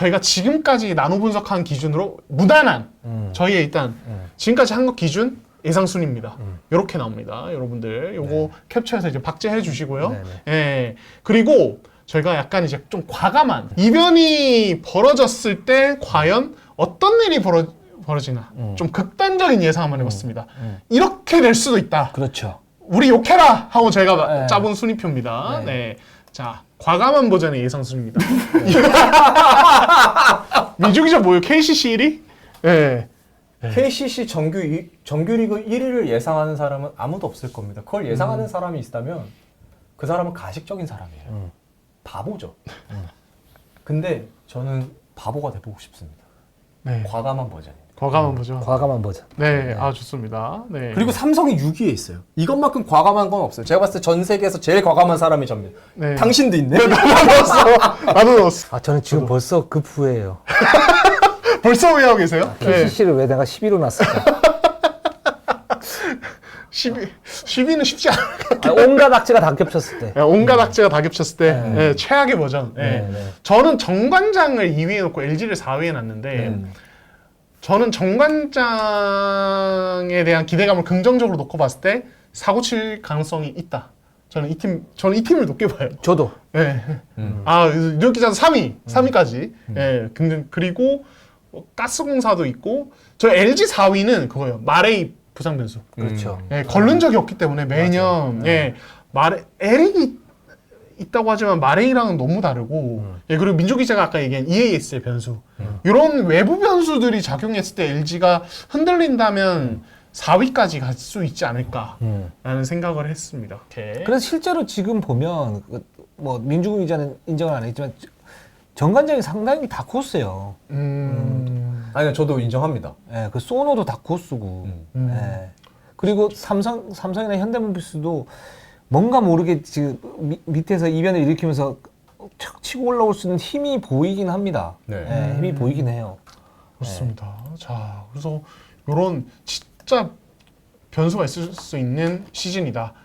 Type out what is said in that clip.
저희가 지금까지 나노 분석한 기준으로 무난한 저희의 일단 지금까지 한 것 기준 예상 순입니다. 이렇게 나옵니다. 여러분들 요거 캡처해서 이제 박제해 주시고요. 네네. 예. 그리고 저희가 약간 이제 좀 과감한 이변이 벌어졌을 때 과연 어떤 일이 벌어지나 좀 극단적인 예상 한번 해봤습니다. 이렇게 될 수도 있다. 그렇죠. 우리 욕해라 하고 저희가 네. 짜본 순위표입니다. 네. 네. 자, 과감한 버전의 예상 순입니다. 민주기자 뭐예요? KCC 1위? 네. KCC 정규리그 1위를 예상하는 사람은 아무도 없을 겁니다. 그걸 예상하는 사람이 있다면 그 사람은 가식적인 사람이에요. 바보죠. 근데 저는 바보가 돼보고 싶습니다. 네. 과감한 버전입니다. 과감한 버전. 과감한 버전. 네, 아 좋습니다. 네. 그리고 삼성이 6위에 있어요. 이것만큼 과감한 건 없어요. 제가 봤을 때 전 세계에서 제일 과감한 사람이 접니다. 네. 당신도 있네. 나도 넣었어. 아 저는 지금 벌써 급후회해요. 벌써 왜 하고 계세요? 네. KCC를 왜 내가 10위로 놨을까? 10위는 쉽지 않아요. 온갖 악재가 다 겹쳤을 때. 온갖 악재가 다 겹쳤을 때 네, 최악의 버전. 네. 네. 저는 정관장을 2위에 놓고 LG를 4위에 놨는데 저는 정관장에 대한 기대감을 긍정적으로 놓고 봤을 때 사고 칠 가능성이 있다. 저는 이 팀을 높게 봐요. 저도. 네. 아, 뉴욕 기자는 3위까지. 예, 그리고 가스공사도 있고, 저 LG 4위는 그거예요. 마레이 부상 변수. 그렇죠. 예, 걸른 적이 없기 때문에 매년, 예, 에릭이 있다고 하지만 마레이랑은 너무 다르고, 예, 그리고 민주 기자가 아까 얘기한 EAS의 변수. 이런 외부 변수들이 작용했을 때 LG가 흔들린다면 4위까지 갈 수 있지 않을까라는 생각을 했습니다. 이렇게. 그래서 실제로 지금 보면 뭐 민주국 기자는 인정을 안 했지만 정관장이 상당히 다코스예요. 아니 저도 인정합니다. 예, 그 소노도 다코스고. 예. 그리고 삼성이나 현대모비스도 뭔가 모르게 지금 밑에서 이변을 일으키면서 척 치고 올라올 수 있는 힘이 보이긴 합니다. 네. 예, 힘이 보이긴 해요. 그렇습니다. 자, 그래서 이런 진짜 변수가 있을 수 있는 시즌이다.